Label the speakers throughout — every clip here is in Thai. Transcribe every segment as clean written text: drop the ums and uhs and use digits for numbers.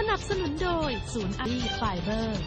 Speaker 1: นับสนุนโดยศูนย์อารีไฟเบอร์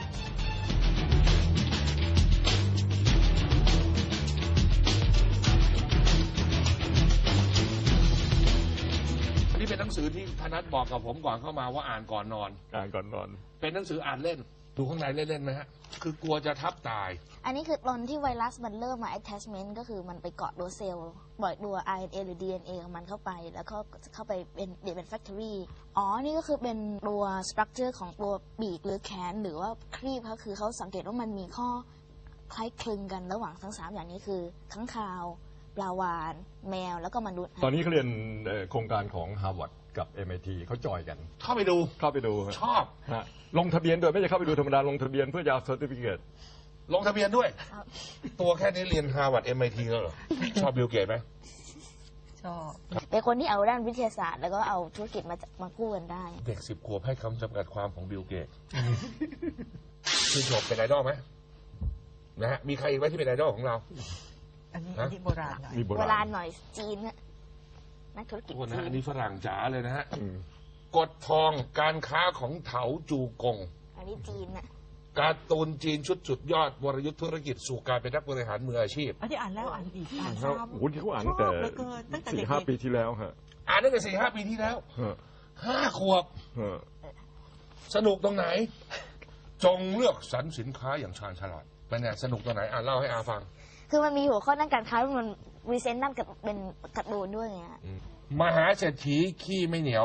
Speaker 2: นี่เป็นหนังสือที่ธนัทบอกกับผมก่อนเข้ามาว่าอ่านก่อนนอน เป็นหนังสืออ่านเล่นดูข้างในเล่นๆไหมฮะคือกลัวจะทับตาย
Speaker 3: อันนี้คือตอนที่ไวรัสมันเริ่มมา attachment ก็คือมันไปเกาะตัวเซลล์ปล่อยตัว RNA หรือ DNA ของมันเข้าไปแล้วก็เข้าไปเป็น factory อ๋อนี่ก็คือเป็นตัว structure ของตัวปีกหรือแขนหรือว่าครีบเขาคือเขาสังเกตว่ามันมีข้อคล้ายคลึงกันระหว่างทั้ง3อย่างนี้คือค้างคาวปลาวาฬแมวแล้วก็มนุษย์
Speaker 4: ตอนนี้เขาเรียนโครงการของ Harvard กับ MIT เขาจอยกัน
Speaker 2: เข้าไปดูชอบ
Speaker 4: ลงทะเบียนโดยไม่ใช่เข้าไปดูธรรมดาลงทะเบียนเพื่อจะเอา certificate
Speaker 2: ลงทะเบียนด้วยตัวแค่นี้เรียน Harvard MIT แล้วเหรอชอบบิลเกตไหม
Speaker 3: ชอบเป็นคนที่เอาด้านวิทยาศาสตร์แล้วก็เอาธุรกิจมากู้กันได้
Speaker 2: เด็ก10 ขวบให้คำจำกัดความของบิลเกตชื่นชมเป็นไอดอลไหมนะฮะมีใครอีกไหมที่เป็นไอดอลของเรา
Speaker 5: อันนี้โบราณหน่อย
Speaker 3: โบราณหน่อยจีนนักธุรกิจ
Speaker 2: จีนอันนี้ฝรั่งจ๋าเลยนะฮะกฎทองการค้าของเถาจูกง
Speaker 3: อันนี้จีนน่ะ
Speaker 2: การ์ตูนจีนชุดสุดยอดวรยุทธธุรกิจสู่การเป็นนักบริหารมืออาชีพ
Speaker 5: อันนี้อ่านแล้วอ่านอีกอ่าน
Speaker 4: ซ้ำโอ้โหเขาอ่านตั้งแต่4-5 ปีที่แล้วฮะ
Speaker 2: อ่านตั้งแต่4-5 ปีที่แล้ว5 ขวบสนุกตรงไหนจงเลือกสรรสินค้าอย่างชาญฉลาดเป็นไงสนุกตรงไหนเล่าให้อาฟัง
Speaker 3: คือมันมีหัวข้อด้านการค้ามันรีเซนต์นั่นกับเป็นการ์ตูนด้วยไง
Speaker 2: มหาเศรษฐีขี้ไม่เหนียว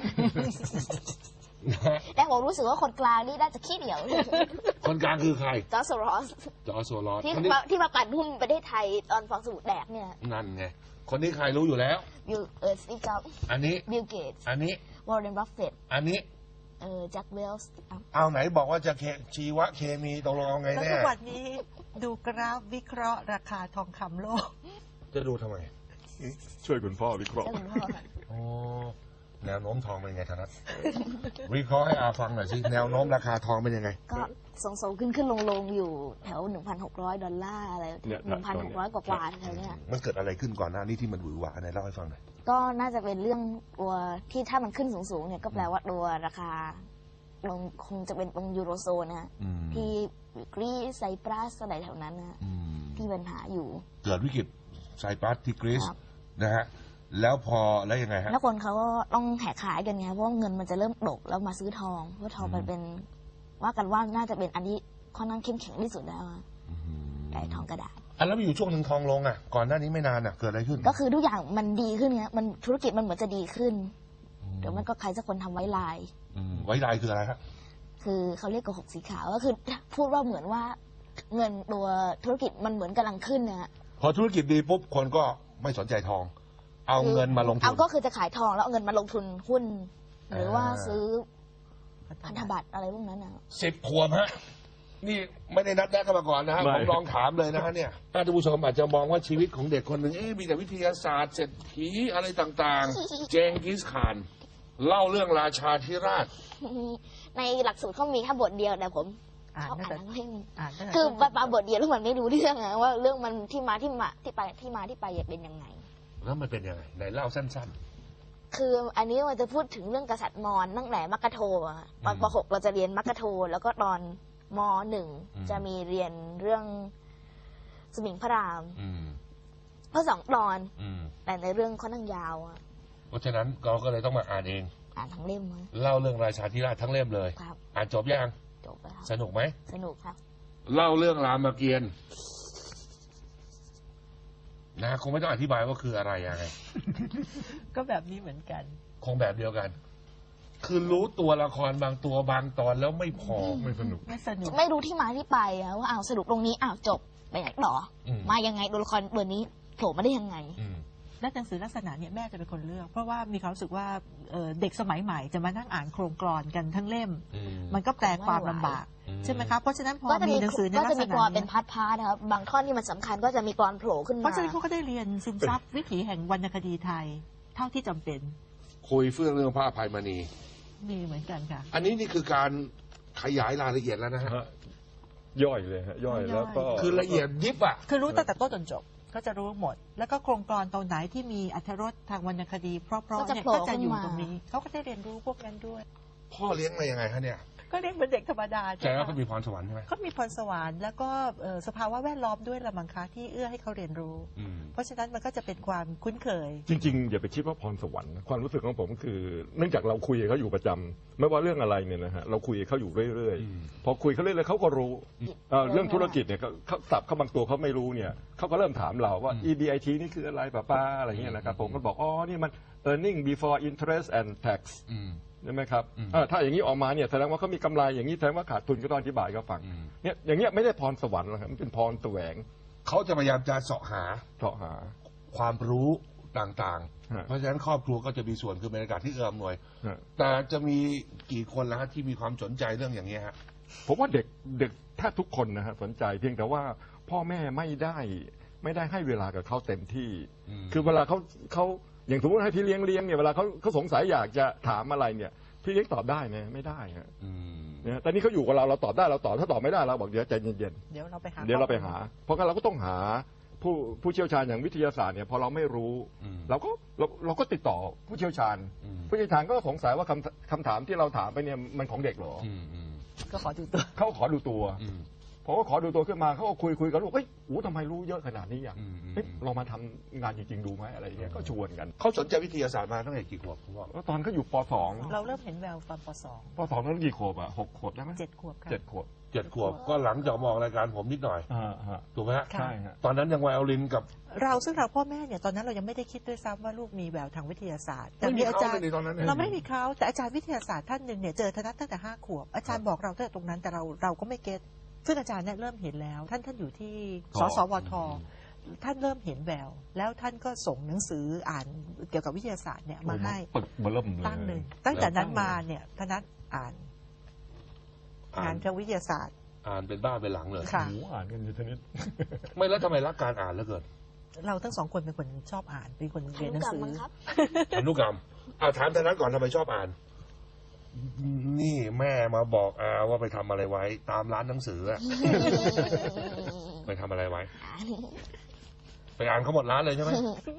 Speaker 3: แต่ผมรู้สึกว่าคนกลางนี่น่าจะขี้เหนียว
Speaker 2: คนกลางคือใคร
Speaker 3: จอร์จโซรอสที่มาปั่นหุ้นประเทศไทยตอนฟองสบู่แดกเนี่ย
Speaker 2: นั่นไงคนนี้ใครรู้อยู่แล้ว
Speaker 3: สตีฟจ็อบส์
Speaker 2: อันนี้
Speaker 3: บิลเกตส์
Speaker 2: อันนี้
Speaker 3: วอร์เรน บัฟเฟตต์
Speaker 2: อันนี้
Speaker 3: แจ็คเวลส์
Speaker 2: เอาไหนบอกว่าจะชีวเคมีตกลงเอาไงแน่
Speaker 5: ทุกวันนี้ดูกราฟวิเคราะห์ราคาทองคำโลก
Speaker 2: จะดูทำไม
Speaker 4: ช่วยคุณพ่อวิเคราะห์
Speaker 2: แนวโน้มทองเป็นไงธนัทวิเคราะห์ให้อาฟังหน่อยสิแนวโน้มราคาทองเป็นยังไง
Speaker 3: ก็ส่งขึ้นลงอยู่แถว$1,600อะไร1,600 กว่าอะไรเนี่ย
Speaker 2: มันเกิดอะไรขึ้นก่อนหน้านี้ที่มันหวือหวาไหนเล่าให้ฟังหน่อย
Speaker 3: ก็น่าจะเป็นเรื่องตัวที่ถ้ามันขึ้นสูงเนี่ยก็แปลว่าตัวราคาลงคงจะเป็นตรงยูโรโซนนะที่กรีซไซปรัสอะไรแถวนั้นนะที่ปัญหาอยู่
Speaker 2: เกิดวิกฤตไซปรัสที่กรีซนะฮะแล้วแล้วยังไงฮะ
Speaker 3: แล้วคนเขาก็ต้องแหกขายกันไงเพราะเงินมันจะเริ่มตกแล้วมาซื้อทองเพราะทองมันเป็นว่ากันว่าน่าจะเป็นอันที่ค่อนข้างเข้มแข็งที่สุดแล้วไอ้ทองกระดาษ
Speaker 2: แล้วมีอยู่ช่วงหนึ่งทองลงก่อนหน้านี้ไม่นานเกิดอะไรขึ้น
Speaker 3: ก็คือทุกอย่างมันดีขึ้นเนี้ยมันธุรกิจมันเหมือนจะดีขึ้นเดี๋ยวมันก็ใครสักคนทำไว้ลาย
Speaker 2: ไว้ลายคืออะไรครับ
Speaker 3: คือเขาเรียกโกหกสีขาวก็คือพูดว่าเหมือนว่าเงินตัวธุรกิจมันเหมือนกำลังขึ้นนะ
Speaker 2: พอธุรกิจดีปุ๊บคนก็ไม่สนใจทองเอาเงินมาลงทุน
Speaker 3: ก็คือจะขายทองแล้วเอาเงินมาลงทุนหุ้นหรือว่าซื้อพันธบัตรอะไรพวกนั้น
Speaker 2: 10 ขวบฮะนี่ไม่ได้นัดแนะกันมาก่อนนะฮะผมลองถามเลยนะฮะเนี่ยท่านผู้ชมอาจจะมองว่าชีวิตของเด็กคนหนึ่งมีแต่วิทยาศาสตร์เศรษฐีอะไรต่างๆเจงกิสข่านเล่าเรื่องราชาธิราช
Speaker 3: ในหลักสูตรเขามีแค่บทเดียวแต่ผมชอบอ่านทั้งเล่มคือปาบทเดียวแล้วมันไม่รู้เรื่องว่าเรื่องมันที่มาที่ไปเป็นยังไง
Speaker 2: แล้วมันเป็นยังไงไหนเล่าสั้น
Speaker 3: ๆคืออันนี้มันจะพูดถึงเรื่องกษัตริย์มอญตั้งแต่มักกะโทตอนป.6เราจะเรียนมักกะโทแล้วก็ตอนม.1จะมีเรียนเรื่องสมิงพระรามเพราะ2 ตอนแต่ในเรื่องค่อนข้างยาว
Speaker 2: เพราะฉะนั้นเราก็เลยต้องมาอ่านเอง
Speaker 3: อ่านทั้งเล่ม
Speaker 2: เล่าเรื่องราชาธิราชทั้งเล่มเลยอ่านจบยัง
Speaker 3: จบแล้ว
Speaker 2: สนุกไหม
Speaker 3: สนุกครับ
Speaker 2: เล่าเรื่องรามเกียรติ์นะคงไม่ต้องอธิบายว่าคืออะไรยังไง
Speaker 5: ก็แบบนี้เหมือนกัน
Speaker 2: คงแบบเดียวกันคือรู้ตัวละครบางตัวบางตอนแล้วไม่พอไม่สนุก
Speaker 3: ไม่รู้ที่มาที่ไปว่าสรุปตรงนี้จบไปไหนต่อมายังไงตัวละครตัวนี้โผล่มาได้ยังไง
Speaker 5: และหนังสือลักษณะเนี่ยแม่จะเป็นคนเลือกเพราะว่ามีความรู้สึกว่าเด็กสมัยใหม่จะมานั่งอ่านโครงกลอนกันทั้งเล่มมันก็แปลความลำบากใช่ไหมครับเพราะฉะนั้นพอมีหนังสือในลักษณะนี้ก็จะมีกร
Speaker 3: เป็นพาร์ทนะครับบางท่อนที่มันสำคัญก็จะมีกรโผล่ขึ้นมา
Speaker 5: เพราะฉะนั้นเขาก็ได้เรียนซึมซับวิถีแห่งวรรณคดีไทยเท่าที่จำเป็น
Speaker 2: คุยเรื่องพระอภัยมณี
Speaker 5: มีเหมือนกันค่ะ
Speaker 2: อันนี้นี่คือการขยายรายละเอียดแล้วนะฮะ
Speaker 4: ย่อยเลยฮะย่อยแล้วก็
Speaker 2: คือละเอียดยิบ
Speaker 5: คือรู้ตั้งแต่ต้นจนจบก็จะรู้หมดแล้วก็โครงกลอนตรงไหนที่มีอรรถรสทางวรรณคดีเพราะๆเนี่ยก็จะอยู่ตรงนี้เขาก็ได้เรียนรู้พวกนั้นด้วย
Speaker 2: พ่อเลี้ยงมายังไงฮะเนี่ย
Speaker 5: ก็เลี้ยงเป็นเด็กธรรมดา
Speaker 2: แต่ว่าเขามีพรสวรรค์ใช่ไหม
Speaker 5: เขามีพรสวรรค์แล้วก็สภาวะแวดล้อมด้วยละมังคะที่เอื้อให้เขาเรียนรู้ เพราะฉะนั้นมันก็จะเป็นความคุ้นเคย
Speaker 4: จริงๆอย่าไปคิดว่าพรสวรรค์นะความรู้สึกของผมคือเนื่องจากเราคุยกับเขาอยู่ประจำไม่ว่าเรื่องอะไรเนี่ยนะฮะเราคุยกับเขาอยู่เรื่อยๆพอคุยเขาเรื่อยๆเขาก็รู้เรื่องธุรกิจเนี่ยเขาสับเขาบางตัวเขาไม่รู้เนี่ยเขาก็เริ่มถามเราว่า EBIT นี่คืออะไรป้าอะไรเงี้ยนะครับผมก็บอกอ๋อนี่มัน earning before interest and tax ใช่ไหมครับถ้าอย่างนี้ออกมาเนี่ยแสดงว่าเขามีกำไรอย่างนี้แสดงว่าขาดทุนก็ต้องอธิบายเขาฟังเนี่ยอย่างเงี้ยไม่ได้พรสวรรค์หรอกครับมันเป็นพรแสวง
Speaker 2: เขาจะพยายามจะเสาะหา ความรู้ต่างๆ เพราะฉะนั้นครอบครัวก็จะมีส่วนคือบรรยากาศที่เอื้ออำนวย แต่จะมีกี่คนแล้วที่มีความสนใจเรื่องอย่างนี้ฮะ
Speaker 4: ผมว่าเด็กแทบทุกคนนะฮะสนใจเพียงแต่ว่าพ่อแม่ไม่ได้ให้เวลากับเขาเต็มที่ คือเวลาเขาอย่างสมมติให้พี่เลี้ยงเนี่ยเวลาเขาสงสัยอยากจะถามอะไรเนี่ยพี่เลี้ยงตอบได้ไหมไม่ได้ฮะเนี่ยแต่นี่เขาอยู่กับเราตอบได้เราตอบถ้าตอบไม่ได้เราบอกเดี๋ยวใจเย็นๆเดี๋ยวเราไปหาเพราะงั้นเราก็ต้องหาผู้เชี่ยวชาญอย่างวิทยาศาสตร์เนี่ยพอเราไม่รู้เราก็ติดต่อผู้เชี่ยวชาญผู้เชี่ยวชาญก็สงสัยว่าคำถามที่เราถามไปเนี่ยมันของเด็กเหรอก็ขอดูตัวเขาขอดูตัวพอเขาขอดูตัวขึ้นมาเขาก็คุยกับลูกเฮ้ยทำไมรู้เยอะขนาดนี้อย่างเรามาทำงานจริงๆดูไหมอะไรอย่างเงี้ยก็ชวนกัน
Speaker 2: เขาสนใจวิทยาศาสตร์มาตั้งแต่กี่ขวบคุณพ่อ
Speaker 4: ตอนเขาอยู่ป .2
Speaker 5: เราเริ่มเห็นแววตอนป
Speaker 4: .2 นั้นกี่ขวบอ่ะ6 ขวบได้ไหม
Speaker 5: 7 ขวบค่ะ
Speaker 4: 7 ขวบ
Speaker 2: 7 ขวบก็หลังจากมองรายการผมนิดหน่อยถูกไหมฮะ
Speaker 4: ใช่ฮะ
Speaker 2: ตอนนั้นยังไวโอลินกับ
Speaker 5: ซึ่งเราพ่อแม่เนี่ยตอนนั้นเรายังไม่ได้คิดด้วยซ้ำว่าลูกมีแววทางวิทยาศาสตร์
Speaker 2: แต่มีอาจารย์
Speaker 5: เราไม่มีเขาแต่อาจารย์วิทยาศาสตร์ท่านหนึ่งเนี่ยเจอธนัทตั้งแต่5 ขวบอาจารย์บอกเราตั้งแต่ตรงนั้นแต่เราก็ไม่เก็ตซึ่งอาจารย์เนี่ยเริ่มเห็นแล้วท่านอยู่ที่สสวท.ท่านเริ่มเห็นแววแล้วท่านก็ส่งหนังสืออ่านเกี่ยวกับวิทยาศาสตร์เนี่ยมาให้ตั้งเลยตั้งแต่นั้นมาเนี่ยธนัทอ่านงานทางวิทยาศาสตร์
Speaker 2: อ่านเป็นบ้าเป็นหลังเลย
Speaker 4: อ่านกันอยู่ชนิด
Speaker 2: ไม่แล้วทำไมรักการอ่านแล้วเกิด
Speaker 5: เราทั้งสองคนเป็นคนชอบอ่านเป็นคนเรียนหนังสือ
Speaker 2: อนุกรรมถามธนัทก่อนทำไมชอบอ่านนี่แม่มาบอกว่าไปทำอะไรไว้ตามร้านหนังสือไปทำอะไรไว้ไปอ่านเขาหมดร้านเลยใช่ไหม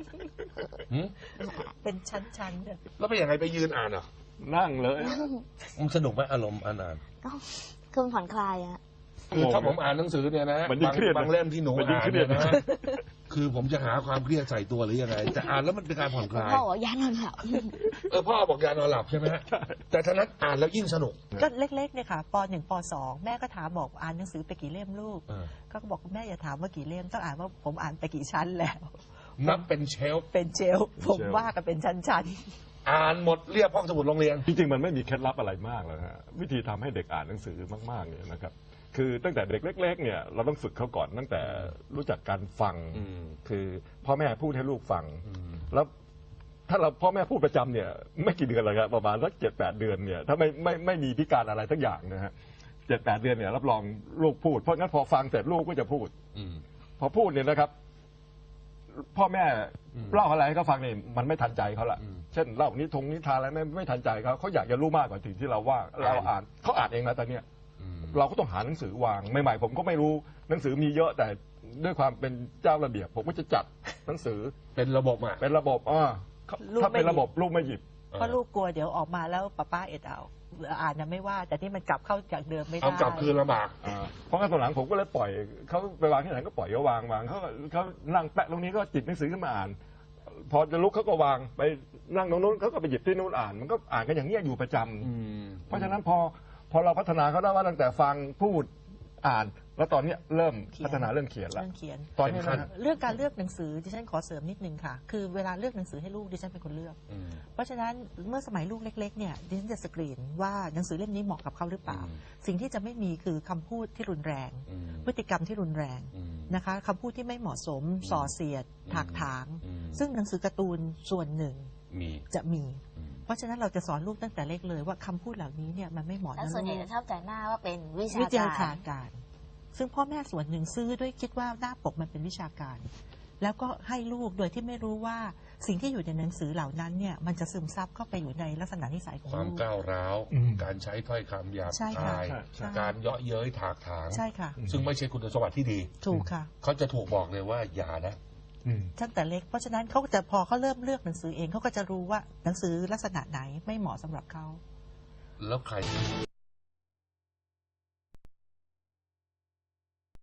Speaker 5: เป็นชั้นๆ
Speaker 2: แล้วไปยังไงไปยืนอ่าน
Speaker 4: นั่งเลย
Speaker 2: มันสนุกไหมอารมณ์อ่าน
Speaker 3: คือผ่อนคลายอะ
Speaker 2: คือถ้าผมอ่านหนังสือเนี่ยนะบางเล่มที่หนูอ่านเนี่ยนะคือผมจะหาความเครียดใส่ตัวหรือยังไงแต่อ่านแล้วมันเป็นการผ่อนคลาย
Speaker 3: พ่อบอกยานอนหลับ
Speaker 2: พ่อบอกยานอนหลับใช่ไหมฮะแต่ท่านั้นอ่านแล้วยิ่งสนุก
Speaker 5: ก็เล็กๆเนี่ยค่ะป .1 ป .2 แม่ก็ถามบอกอ่านหนังสือไปกี่เล่มลูกก็บอกแม่อย่าถามว่ากี่เล่มต้องอ่านว่าผมอ่านไปกี่ชั้นแล้ว
Speaker 2: นับเป็นเชลฟ์
Speaker 5: ผมว่ากันเป็นชั้นๆ
Speaker 2: อ่านหมดเรียบห้องสมุดโรงเรียน
Speaker 4: จริงๆมันไม่มีเคล็ดลับอะไรมากเลยฮะวิธีทำให้เด็กอ่านหนังสือมากๆเนี่ยนะครับคือตั้งแต่เด็กเล็กๆเนี่ยเราต้องฝึกเขาก่อนตั้งแต่รู้จักการฟังคือพ่อแม่พูดให้ลูกฟังแล้วถ้าเราพ่อแม่พูดประจำเนี่ยไม่กี่เดือนเลยครับประมาณสัก7-8 เดือนเนี่ยถ้าไม่มีพิการอะไรทั้งอย่างนะฮะ7-8 เดือนเนี่ยรับรองลูกพูดเพราะงั้นพอฟังเสร็จลูกก็จะพูดพอพูดเนี่ยนะครับพ่อแม่เล่าอะไรให้เขาฟังเนี่ยมันไม่ทันใจเขาละเช่นเล่านิทานอะไรไม่ทันใจเขาอยากจะรู้มากกว่าสิ่งที่เราว่าเราอ่านเขาอ่านเองนะตอนเนี้ยเราก็ต้องหาหนังสือวางใหม่ๆผมก็ไม่รู้หนังสือมีเยอะแต่ด้วยความเป็นเจ้าระเบียบผมก็จะจัดหนังสือ
Speaker 2: เป็นระบบ
Speaker 4: เป็นระบบถ้าเป็นระบบลูกไม่หยิบ
Speaker 5: เพราะลูกกลัวเดี๋ยวออกมาแล้วป้าเอ็ดเอาอ่านไม่ว่าแต่ที่มันกลับเข้าจากเดิมไม่ได้
Speaker 2: เอากลับคืนลำบาก
Speaker 4: เพราะงั้นตอนหลังผมก็เลยปล่อยเขาไปวางที่ไหนก็ปล่อยเขาวางเขานั่งแปะตรงนี้ก็จิบหนังสือขึ้นมาอ่านพอจะลุกเขาก็วางไปนั่งตรงนู้นเขาก็ไปหยิบที่นู้นอ่านมันก็อ่านกันอย่างนี้อยู่ประจำเพราะฉะนั้นพอเราพัฒนาเขาได้ว่าตั้งแต่ฟังพูดอ่านแล้วตอนนี้เริ่มพัฒนาเรื่องเขียนแล้ว
Speaker 5: ตอนนี้เรื่องการเลือกหนังสือดิฉันขอเสริมนิดนึงค่ะคือเวลาเลือกหนังสือให้ลูกดิฉันเป็นคนเลือกเพราะฉะนั้นเมื่อสมัยลูกเล็กๆเนี่ยดิฉันจะสกรีนว่าหนังสือเล่มนี้เหมาะกับเขาหรือเปล่าสิ่งที่จะไม่มีคือคำพูดที่รุนแรงพฤติกรรมที่รุนแรงนะคะคำพูดที่ไม่เหมาะสมส่อเสียดถากถางซึ่งหนังสือการ์ตูนส่วนหนึ่งจะมีเพราะฉะนั้นเราจะสอนลูกตั้งแต่เล็กเลยว่าคำพูดเหล่านี้เนี่ยมันไม่เหมาะ
Speaker 3: แล้วส่วนใหญ่จะชอบแต่หน้าว่าเป็นวิชา
Speaker 5: การซึ่งพ่อแม่ส่วนหนึ่งซื้อด้วยคิดว่าหน้าปกมันเป็นวิชาการแล้วก็ให้ลูกโดยที่ไม่รู้ว่าสิ่งที่อยู่ในหนังสือเหล่านั้นเนี่ยมันจะซึมซับเข้าไปอยู่ในลักษณะนิสัยของลูก
Speaker 2: ความก้าวร้าวการใช้ถ้อยคำหยาบคายการเยาะเย้ยถากถาง
Speaker 5: ใช่ค่ะ
Speaker 2: ซึ่งไม่ใช่คุณสมบัติที่ดี
Speaker 5: ถูกค่ะ
Speaker 2: เขาจะถูกบอกเลยว่าอย่านะ
Speaker 5: ตั้งแต่เล็กเพราะฉะนั้นเขาจะพอเขาเริ่มเลือกหนังสือเองเขาก็จะรู้ว่าหนังสือลักษณะไหนไม่เหมาะสำหรับเขา
Speaker 2: แล้วใคร